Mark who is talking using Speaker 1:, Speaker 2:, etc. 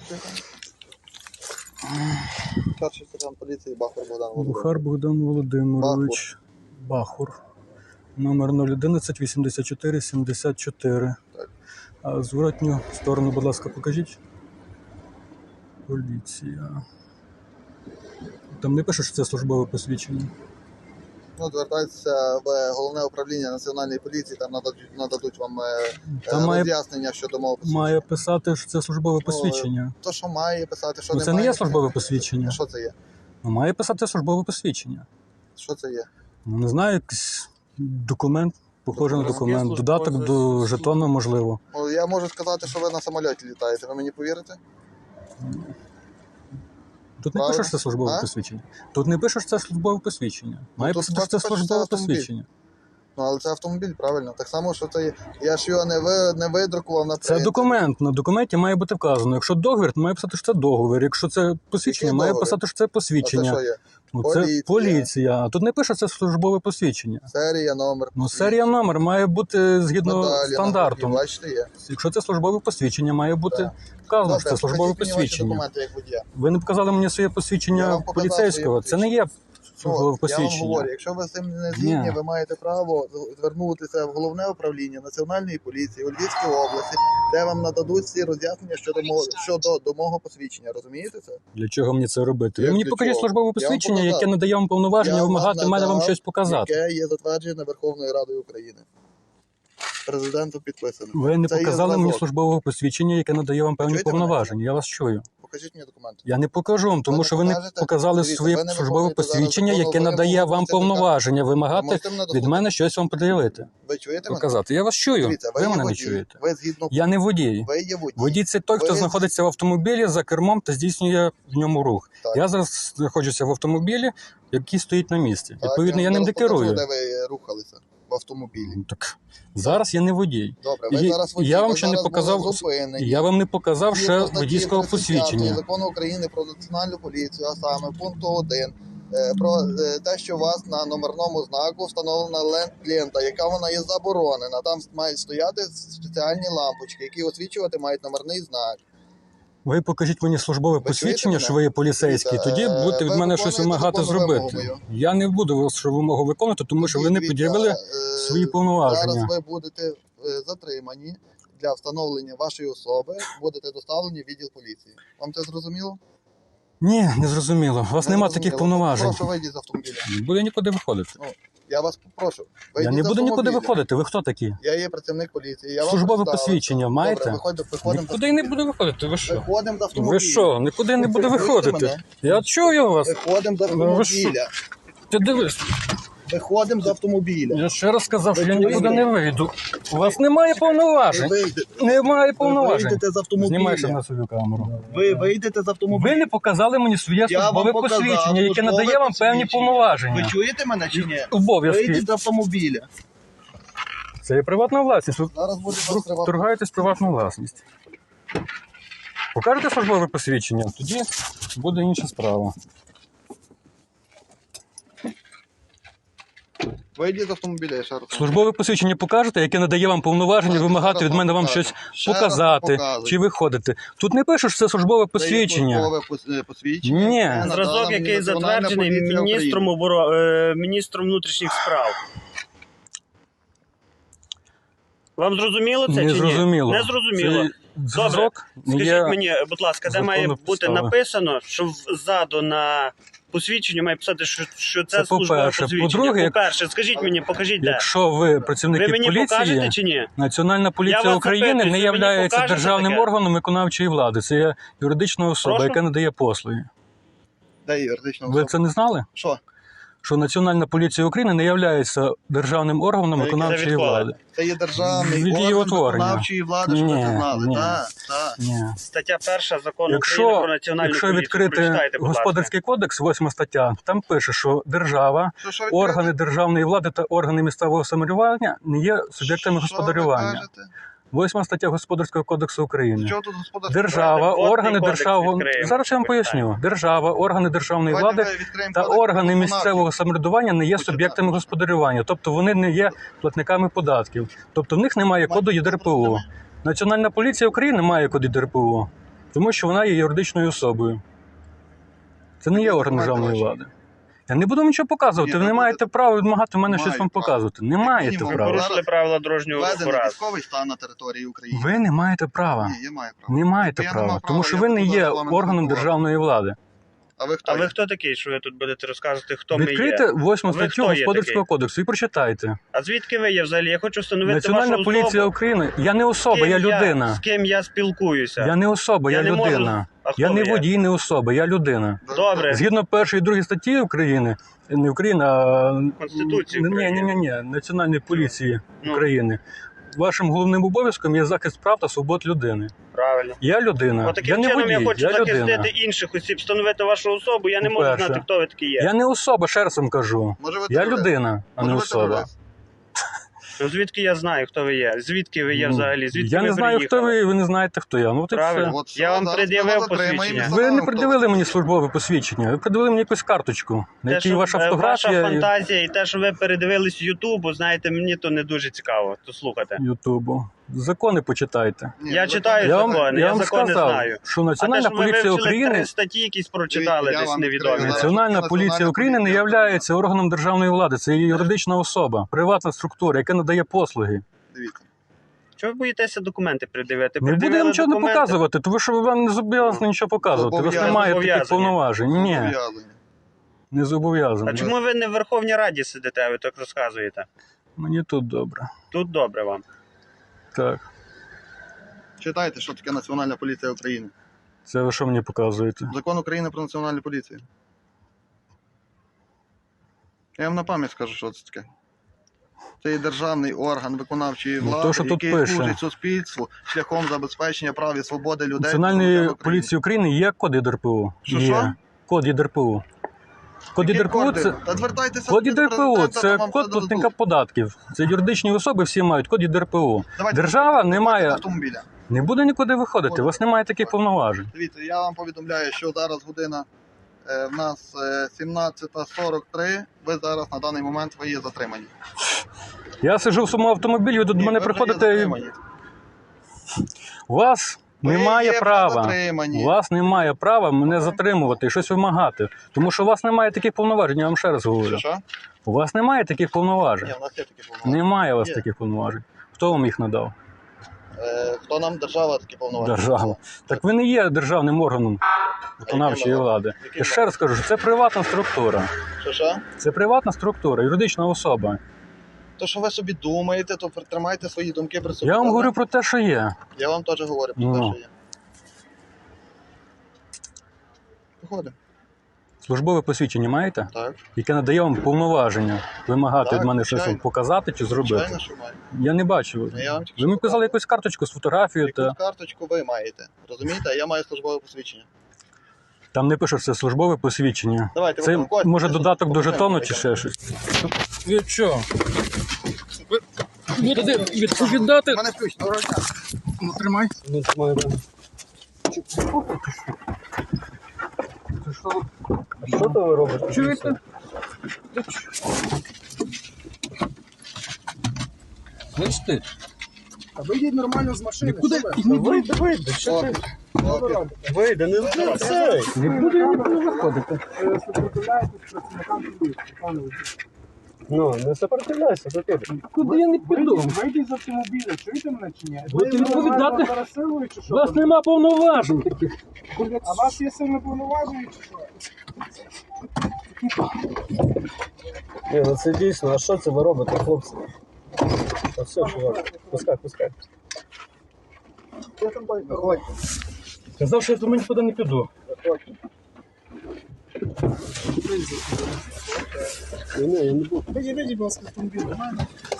Speaker 1: Старший сержант поліції Бахар Богдан Володимирович.
Speaker 2: Бухар Богдан Володимирович. Бахур. Номер 011 84 74.
Speaker 1: Так.
Speaker 2: А зворотню сторону, будь ласка, покажіть. Поліція. Там не пише, що це службове посвідчення.
Speaker 1: Ну, звертайтеся в головне управління Національної поліції, там нададуть вам
Speaker 2: Там
Speaker 1: роз'яснення щодо мого посвідчення.
Speaker 2: має писати, що це службове посвідчення.
Speaker 1: То, що має писати, що
Speaker 2: Ну,
Speaker 1: не
Speaker 2: це
Speaker 1: має.
Speaker 2: не є службове посвідчення.
Speaker 1: Що це є?
Speaker 2: Ну, має писати службове посвідчення.
Speaker 1: Що це є?
Speaker 2: Ну, не знаю, якийсь документ, похожий на
Speaker 1: Документ.
Speaker 2: документ. Додаток до жетону, можливо.
Speaker 1: Ну, я можу сказати, що ви на самольоті літаєте. Ви мені повірите?
Speaker 2: Тут не
Speaker 1: Правильно.
Speaker 2: пише, що це службове
Speaker 1: А?
Speaker 2: посвідчення. Тут не пише, що це службове посвідчення. Має
Speaker 1: тут
Speaker 2: писати, що це
Speaker 1: пише, що це
Speaker 2: службове
Speaker 1: автомобіль.
Speaker 2: посвідчення.
Speaker 1: Ну, але це автомобіль, правильно. Так само, що це є. Я ж його не видрукував на
Speaker 2: Це
Speaker 1: принтері.
Speaker 2: документ. На документі має бути вказано. Якщо договір, то має писати, що це договір. Якщо це посвідчення,
Speaker 1: Який
Speaker 2: має
Speaker 1: договір?
Speaker 2: писати, що це
Speaker 1: А це
Speaker 2: посвідчення.
Speaker 1: що є?
Speaker 2: Ну,
Speaker 1: Поліція.
Speaker 2: це поліція. А тут не пише, що це службове посвідчення.
Speaker 1: Серія, номер.
Speaker 2: Ну, серія номер має бути згідно
Speaker 1: Медалі,
Speaker 2: стандарту.
Speaker 1: нагрудні, бачите, є.
Speaker 2: Якщо це службове посвідчення, має бути
Speaker 1: Так.
Speaker 2: вказано, що це
Speaker 1: Добре,
Speaker 2: службове
Speaker 1: покажіть мені ваші
Speaker 2: посвідчення.
Speaker 1: документи як водія.
Speaker 2: Ви не показали мені своє
Speaker 1: Я
Speaker 2: посвідчення
Speaker 1: вам показав
Speaker 2: поліцейського.
Speaker 1: своє
Speaker 2: Це не є службове
Speaker 1: Я вам
Speaker 2: посвідчення.
Speaker 1: говорю, якщо ви з цим не згідні,
Speaker 2: Ні.
Speaker 1: ви маєте право звернутися в головне управління Національної поліції у Львівській області, де вам нададуть всі роз'яснення щодо мого посвідчення. Розумієте це?
Speaker 2: Для чого мені це робити? Ви
Speaker 1: Як
Speaker 2: мені
Speaker 1: для
Speaker 2: покажіть
Speaker 1: чого?
Speaker 2: службове
Speaker 1: Я вам
Speaker 2: посвідчення,
Speaker 1: показав.
Speaker 2: яке надає вам повноваження
Speaker 1: Я вам
Speaker 2: вимагати мене вам
Speaker 1: надав,
Speaker 2: щось показати.
Speaker 1: Яке є затверджене Верховною Радою України. Президентом підписано.
Speaker 2: Ви не
Speaker 1: Це є
Speaker 2: показали мені
Speaker 1: зразок.
Speaker 2: службове посвідчення, яке надає вам певні
Speaker 1: Чуєте мене?
Speaker 2: повноваження. Я вас чую.
Speaker 1: Покажіть мені документи.
Speaker 2: Я не покажу вам, тому
Speaker 1: не
Speaker 2: що ви не
Speaker 1: покажете?
Speaker 2: показали
Speaker 1: Дивіться,
Speaker 2: своє
Speaker 1: ви не
Speaker 2: службове
Speaker 1: виконуєте зараз
Speaker 2: посвідчення,
Speaker 1: законну
Speaker 2: яке надає
Speaker 1: вимогу
Speaker 2: вам
Speaker 1: працівника.
Speaker 2: повноваження
Speaker 1: Ви
Speaker 2: вимагати
Speaker 1: можете мене
Speaker 2: від
Speaker 1: дослухати?
Speaker 2: мене щось вам пред'явити.
Speaker 1: Ви чуєте мене?
Speaker 2: Показати. Я вас чую.
Speaker 1: Дивіться,
Speaker 2: Ви
Speaker 1: є
Speaker 2: мене не
Speaker 1: водій.
Speaker 2: чуєте.
Speaker 1: Ви згідно...
Speaker 2: Я не водій.
Speaker 1: Ви є водій.
Speaker 2: Водій – це той, хто
Speaker 1: Ви-
Speaker 2: знаходиться в автомобілі за кермом та здійснює в ньому рух.
Speaker 1: Так.
Speaker 2: Я зараз знаходжуся в автомобілі, який стоїть на місці.
Speaker 1: Так,
Speaker 2: Відповідно, я ним
Speaker 1: зараз
Speaker 2: не керую.
Speaker 1: покажу, де ви рухалися в автомобілі.
Speaker 2: Ну, так зараз я не водій.
Speaker 1: Добре, ви зараз водій,
Speaker 2: Я вам
Speaker 1: ви
Speaker 2: ще не
Speaker 1: зараз
Speaker 2: показав.
Speaker 1: були зупинені.
Speaker 2: Я вам не показав ще
Speaker 1: Згідно статті
Speaker 2: водійського
Speaker 1: 35
Speaker 2: посвідчення.
Speaker 1: Закону України про національну поліцію, а саме пункту 1, про те, що у вас на номерному знаку встановлена лента, яка вона є заборонена. Там мають стояти спеціальні лампочки, які освічувати мають номерний знак.
Speaker 2: Ви покажіть мені службове посвідчення,
Speaker 1: мене?
Speaker 2: що ви є поліцейський,
Speaker 1: Дивіться,
Speaker 2: тоді будете від
Speaker 1: ви
Speaker 2: мене щось
Speaker 1: виконуєте
Speaker 2: вимагати
Speaker 1: законну вимогу
Speaker 2: зробити.
Speaker 1: мою.
Speaker 2: Я не буду вашу вимогу виконувати, тому що ви не
Speaker 1: Дивіться,
Speaker 2: пред'явили свої повноваження.
Speaker 1: Зараз ви будете затримані для встановлення вашої особи, будете доставлені в відділ поліції. Вам це зрозуміло?
Speaker 2: Ні, не зрозуміло. У вас
Speaker 1: Не
Speaker 2: нема
Speaker 1: зрозуміло.
Speaker 2: таких повноважень.
Speaker 1: Прошу, вийдіть з автомобіля.
Speaker 2: Не буду нікуди виходити.
Speaker 1: Я вас попрошу.
Speaker 2: Я
Speaker 1: Вийдіть
Speaker 2: не
Speaker 1: з
Speaker 2: буду нікуди
Speaker 1: автомобіля.
Speaker 2: виходити. Ви хто такі?
Speaker 1: Я є працівник поліції. Я вам
Speaker 2: Службове
Speaker 1: представився.
Speaker 2: посвідчення маєте?
Speaker 1: Добре, виходимо
Speaker 2: Нікуди не буду виходити. Ви що?
Speaker 1: Виходимо з автомобіля.
Speaker 2: Ви що? Нікуди не буду
Speaker 1: Ви чуєте
Speaker 2: виходити.
Speaker 1: мене?
Speaker 2: Я чую вас.
Speaker 1: Виходимо з
Speaker 2: Ви що?
Speaker 1: автомобіля.
Speaker 2: Ти дивись.
Speaker 1: Виходимо з автомобіля.
Speaker 2: Я ще раз сказав, що я
Speaker 1: Ви
Speaker 2: нікуди
Speaker 1: чуєте?
Speaker 2: не вийду. У вас немає повноважень. Немає
Speaker 1: Ви
Speaker 2: повноважень.
Speaker 1: вийдете з автомобіля.
Speaker 2: Знімайся на свою камеру.
Speaker 1: Ви вийдете з автомобіля.
Speaker 2: Ви не показали мені своє
Speaker 1: Я вам
Speaker 2: службове
Speaker 1: показав
Speaker 2: посвідчення, яке
Speaker 1: службове
Speaker 2: надає вам певні
Speaker 1: посвідчення. Ви
Speaker 2: повноваження.
Speaker 1: чуєте мене чи ні?
Speaker 2: Обов'язки.
Speaker 1: Вийдіть з автомобіля.
Speaker 2: Це є приватна власність. Ви
Speaker 1: Зараз буде вас тривати.
Speaker 2: торгаєтесь приватну власність. Покажете службове посвідчення, тоді буде інша справа.
Speaker 1: Вийдіть з автомобіля, я ще раз.
Speaker 2: Службове посвідчення покажете, яке надає вам повноваження
Speaker 1: Так,
Speaker 2: вимагати
Speaker 1: зараз
Speaker 2: від мене вам
Speaker 1: покажу.
Speaker 2: щось
Speaker 1: Ще раз
Speaker 2: показати,
Speaker 1: показую.
Speaker 2: чи виходити. Тут не пише, що це службове посвідчення.
Speaker 1: Це є службове посвідчення.
Speaker 2: Ні.
Speaker 1: яке надала
Speaker 3: Зразок,
Speaker 1: мені
Speaker 3: який
Speaker 1: Національна
Speaker 3: затверджений
Speaker 1: поліція
Speaker 3: міністром внутрішніх справ. Вам зрозуміло це
Speaker 2: Не
Speaker 3: чи ні?
Speaker 2: зрозуміло.
Speaker 3: Не зрозуміло.
Speaker 2: Цей зразок не
Speaker 3: Скажіть
Speaker 2: є
Speaker 3: мені, будь ласка, де
Speaker 2: законна
Speaker 3: має бути
Speaker 2: підстава.
Speaker 3: написано, що ззаду на посвідченню має писати, що це
Speaker 2: Це
Speaker 3: службове
Speaker 2: по-перше.
Speaker 3: посвідчення.
Speaker 2: По-друге,
Speaker 3: По-перше, скажіть мені, покажіть де.
Speaker 2: Якщо ви працівники
Speaker 3: Ви мені покажете
Speaker 2: поліції,
Speaker 3: чи ні?
Speaker 2: Національна поліція
Speaker 3: вас
Speaker 2: України
Speaker 3: запитую,
Speaker 2: не
Speaker 3: ви мені
Speaker 2: є
Speaker 3: покажете
Speaker 2: державним
Speaker 3: таке?
Speaker 2: органом виконавчої влади. Це є юридична особа,
Speaker 3: Прошу?
Speaker 2: яка надає послуги.
Speaker 1: Де юридична
Speaker 2: Ви
Speaker 1: особа?
Speaker 2: це не знали?
Speaker 1: Що?
Speaker 2: Що Національна поліція України не є державним органом
Speaker 1: Це
Speaker 2: виконавчої
Speaker 3: від кого?
Speaker 2: влади.
Speaker 1: Це є державний
Speaker 2: Від її
Speaker 1: орган
Speaker 2: утворення.
Speaker 1: виконавчої влади, щоб ви це
Speaker 2: Ні,
Speaker 1: знали.
Speaker 2: ні.
Speaker 1: Так, так.
Speaker 2: Ні.
Speaker 3: Стаття 1 закону України про національну
Speaker 2: Якщо
Speaker 3: поліцію.
Speaker 2: відкрити
Speaker 3: Прочитайте, будь ласка.
Speaker 2: Господарський кодекс, 8 стаття, там пише, що держава,
Speaker 1: Що ви
Speaker 2: органи
Speaker 1: кажете?
Speaker 2: державної влади та органи місцевого самоврядування не є суб'єктами
Speaker 1: Що ви
Speaker 2: господарювання.
Speaker 1: кажете?
Speaker 2: 8 стаття Господарського кодексу України.
Speaker 1: Чого тут господарський
Speaker 2: Держава,
Speaker 3: Давайте водний
Speaker 2: органи
Speaker 3: кодекс
Speaker 2: державної...
Speaker 3: відкриємо.
Speaker 2: Зараз я вам поясню. Держава, органи державної
Speaker 1: Давайте
Speaker 2: влади
Speaker 1: ми відкриємо
Speaker 2: та
Speaker 1: кодекс
Speaker 2: органи
Speaker 1: виконавчий.
Speaker 2: місцевого самоврядування не є
Speaker 1: Почитати.
Speaker 2: суб'єктами господарювання. Тобто вони не є платниками податків. Тобто в них немає коду ЄДРПО. Національна поліція України має код ЄДРПО. Тому що вона є юридичною особою. Це не є орган державної влади. Я не буду нічого показувати.
Speaker 1: Ні,
Speaker 2: Ви не
Speaker 1: ну,
Speaker 2: маєте права вимагати в мене
Speaker 1: Маю
Speaker 2: щось вам
Speaker 1: право.
Speaker 2: показувати. Не маєте
Speaker 1: мінімум,
Speaker 3: Ви
Speaker 2: права.
Speaker 3: порушили правила дорожнього руху
Speaker 1: Введений
Speaker 3: раз.
Speaker 1: військовий стан на території України.
Speaker 2: Ви не маєте права.
Speaker 1: Ні, я маю право.
Speaker 2: Не маєте
Speaker 1: Я не
Speaker 2: права.
Speaker 1: мав
Speaker 2: Тому
Speaker 1: права,
Speaker 2: що
Speaker 1: я
Speaker 2: ви не
Speaker 1: тут
Speaker 2: є
Speaker 1: зараз з вами
Speaker 2: органом
Speaker 1: спілкувався.
Speaker 2: державної влади.
Speaker 1: А ви хто
Speaker 3: А ви
Speaker 1: є?
Speaker 3: хто такий, що ви тут будете розказувати, хто ми
Speaker 2: Відкрийте
Speaker 3: є?
Speaker 2: 8
Speaker 3: Ви
Speaker 2: статтю
Speaker 3: хто є
Speaker 2: Господарського
Speaker 3: такий?
Speaker 2: кодексу і прочитайте.
Speaker 3: А звідки ви є взагалі? Я хочу встановити
Speaker 2: Національна
Speaker 3: вашу
Speaker 2: поліція
Speaker 3: особу.
Speaker 2: України. Я не особа, я людина.
Speaker 3: З ким я спілкуюся?
Speaker 2: Я не особа, я
Speaker 3: Я не можу-
Speaker 2: людина.
Speaker 3: А хто
Speaker 2: Я не
Speaker 3: ви є?
Speaker 2: водій, не особа, я людина.
Speaker 3: Добре.
Speaker 2: Згідно першої і другої статті України, не України, а
Speaker 3: Конституції України.
Speaker 2: ні, Національної поліції
Speaker 3: Ну.
Speaker 2: України. Вашим головним обов'язком є захист прав та свобод людини.
Speaker 3: Правильно.
Speaker 2: Я людина. Я
Speaker 3: Отаким
Speaker 2: не
Speaker 3: чином
Speaker 2: водій,
Speaker 3: я хочу
Speaker 2: я
Speaker 3: захистити
Speaker 2: людина.
Speaker 3: інших осіб, встановити вашу особу. Я не можу
Speaker 2: По-перше.
Speaker 3: знати, хто ви такі є.
Speaker 2: Я не особа, ще раз вам кажу.
Speaker 1: Може ви
Speaker 2: Я
Speaker 1: терорист?
Speaker 2: людина, а не
Speaker 1: Може ви
Speaker 2: особа.
Speaker 1: терорист?
Speaker 3: Ну, звідки я знаю, хто ви є? Звідки ви є
Speaker 2: Ну,
Speaker 3: взагалі? Звідки
Speaker 2: я
Speaker 3: ви
Speaker 2: не знаю, хто
Speaker 3: приїхали?
Speaker 2: ви не знаєте, хто я. Ну, от і
Speaker 3: Правильно.
Speaker 2: все.
Speaker 1: От все,
Speaker 3: Я вам
Speaker 1: зараз
Speaker 3: пред'явив
Speaker 1: ми вас затримаємо
Speaker 3: посвідчення.
Speaker 1: і
Speaker 2: Ви не
Speaker 1: встановимо,
Speaker 2: придивили
Speaker 1: хто
Speaker 2: мені
Speaker 1: ви.
Speaker 2: службове посвідчення. Ви придивили мені якусь карточку, на
Speaker 3: Те,
Speaker 2: якій
Speaker 3: що,
Speaker 2: ваша
Speaker 3: ваша
Speaker 2: фотографія
Speaker 3: фантазія і те, що ви передивились Ютубу, знаєте, мені то не дуже цікаво. То слухайте.
Speaker 2: Ютубу. Закони почитайте.
Speaker 1: Ні,
Speaker 3: Я
Speaker 1: ви
Speaker 3: читаю
Speaker 1: закони.
Speaker 3: закони,
Speaker 2: я
Speaker 3: я
Speaker 2: вам
Speaker 3: закони
Speaker 2: сказав,
Speaker 3: знаю.
Speaker 2: що
Speaker 3: А те,
Speaker 2: Національна
Speaker 3: що ви
Speaker 2: поліція
Speaker 3: вивчили
Speaker 2: України,
Speaker 3: 3 статті якісь прочитали
Speaker 1: Я
Speaker 3: десь
Speaker 1: вам
Speaker 3: невідомі.
Speaker 1: відкрию.
Speaker 2: Національна поліція
Speaker 1: Національна
Speaker 2: України не
Speaker 1: поліція.
Speaker 2: є органом державної влади. Це є юридична особа, приватна структура, яка надає послуги.
Speaker 1: Дивіться.
Speaker 3: Чого ви боїтеся документи придивити?
Speaker 2: Не буду я
Speaker 3: Придивили
Speaker 2: нічого не
Speaker 3: документи.
Speaker 2: показувати, тому що вам не зобов'язані нічого показувати. У вас немає таких
Speaker 3: Зобов'язані.
Speaker 2: повноважень. Ні,
Speaker 1: Зобов'язані.
Speaker 2: не зобов'язані.
Speaker 3: А чому ви не в Верховній Раді сидите, ви так розказуєте?
Speaker 2: Мені тут добре.
Speaker 3: Тут добре вам.
Speaker 2: Так.
Speaker 1: Читайте, що таке Національна поліція України.
Speaker 2: Це ви що мені показуєте?
Speaker 1: Закон України про національну поліцію. Я вам на пам'ять скажу, що це таке. Це є державний орган виконавчої
Speaker 2: Ну,
Speaker 1: влади,
Speaker 2: то, що тут
Speaker 1: який
Speaker 2: пише.
Speaker 1: служить суспільству шляхом забезпечення прав і свободи людей.
Speaker 2: Національної
Speaker 1: громадян України.
Speaker 2: поліції України є код ЄДРПУ?
Speaker 1: Що,
Speaker 2: Є.
Speaker 1: що?
Speaker 2: Код ЄДРПУ. Код
Speaker 1: Які
Speaker 2: ЄДРПУ
Speaker 1: коди?
Speaker 2: це...
Speaker 1: Та звертайтеся
Speaker 2: Код
Speaker 1: до
Speaker 2: ЄДРПУ
Speaker 1: президента,
Speaker 2: це
Speaker 1: там вам
Speaker 2: код
Speaker 1: все
Speaker 2: платника
Speaker 1: дадуть.
Speaker 2: податків. Це юридичні особи всі мають код ЄДРПУ.
Speaker 1: Давайте
Speaker 2: Держава не
Speaker 1: давайте
Speaker 2: має,
Speaker 1: з автомобіля.
Speaker 2: не буде нікуди виходити, у вас немає таких повноважень.
Speaker 1: Дивіться, я вам повідомляю, що зараз година в нас 17:43. Ви зараз на даний момент ви є затримані.
Speaker 2: Я сиджу в своєму автомобілі, ви до
Speaker 1: Ні,
Speaker 2: мене
Speaker 1: ви вже є
Speaker 2: приходите.
Speaker 1: затримані.
Speaker 2: У вас
Speaker 1: Ви
Speaker 2: немає
Speaker 1: є
Speaker 2: права.
Speaker 1: затримані.
Speaker 2: У вас немає права мене затримувати і щось вимагати. Тому що у вас немає таких повноважень, я вам ще раз говорю.
Speaker 1: Що?
Speaker 2: У вас немає таких повноважень.
Speaker 1: Ні, у нас є такі повноваження.
Speaker 2: Немає у вас
Speaker 1: Є.
Speaker 2: таких повноважень. Хто вам їх надав?
Speaker 1: Хто нам держава такі повноваження?
Speaker 2: Держава. Так ви не є державним органом виконавчої
Speaker 1: Яким
Speaker 2: влади.
Speaker 1: Яким
Speaker 2: Я ще раз кажу, що це приватна структура.
Speaker 1: Що?
Speaker 2: Це приватна структура, юридична особа.
Speaker 1: То, що ви собі думаєте, то тримайте свої думки при собі.
Speaker 2: Я вам
Speaker 1: добре?
Speaker 2: говорю про те, що є.
Speaker 1: Я вам теж говорю про
Speaker 2: Ну.
Speaker 1: те, що є. Виходимо.
Speaker 2: Службове посвідчення маєте?
Speaker 1: Так.
Speaker 2: Яке надає вам повноваження вимагати
Speaker 1: Так,
Speaker 2: від мене щось
Speaker 1: звичайно.
Speaker 2: показати чи зробити.
Speaker 1: Звичайно, що маю.
Speaker 2: Я не бачив.
Speaker 1: Я вам тільки
Speaker 2: Ви мені
Speaker 1: що
Speaker 2: показали якусь карточку з фотографією,
Speaker 1: Якусь
Speaker 2: та
Speaker 1: карточку ви маєте. Розумієте? А я маю службове посвідчення.
Speaker 2: там не пише, що це службове посвідчення.
Speaker 1: Давайте,
Speaker 2: Це
Speaker 1: виходьте,
Speaker 2: може
Speaker 1: це
Speaker 2: додаток до
Speaker 1: документи
Speaker 2: жетону чи
Speaker 1: витягнемо.
Speaker 2: ще щось. Ви що? Будете відповідати?
Speaker 1: У мене ключ, доброго дня. Ну, тримай.
Speaker 2: Що то ви робите? Чуєте? Бачите?
Speaker 4: А вийдіть нормально з машини.
Speaker 2: Нікуди
Speaker 4: що ви?
Speaker 2: вийде, що ти?
Speaker 3: Вийде, не цей.
Speaker 2: Не буду я нікуди виходити.
Speaker 4: Супротивляєтесь працівникам поліції, пане водій.
Speaker 3: Ну, не сопротивляйся, до тебе.
Speaker 2: Куди я не піду?
Speaker 4: Вийдіть з автомобіля, чуєте мене чи ні?
Speaker 2: Будете відповідати?
Speaker 4: нормально зараз силою чи
Speaker 2: У
Speaker 4: що?
Speaker 2: вас нема повноважень таких.
Speaker 4: А у вас є сильно повноваження чи що?
Speaker 5: Ні, ну це дійсно, а що це ви робите, хлопці? Та все, чувак, пускай.
Speaker 1: Виходь.
Speaker 2: Казав, що я до мене нікуди не піду.
Speaker 5: Ні, я не буду.
Speaker 4: Вийдіть, будь ласка, з автомобіля.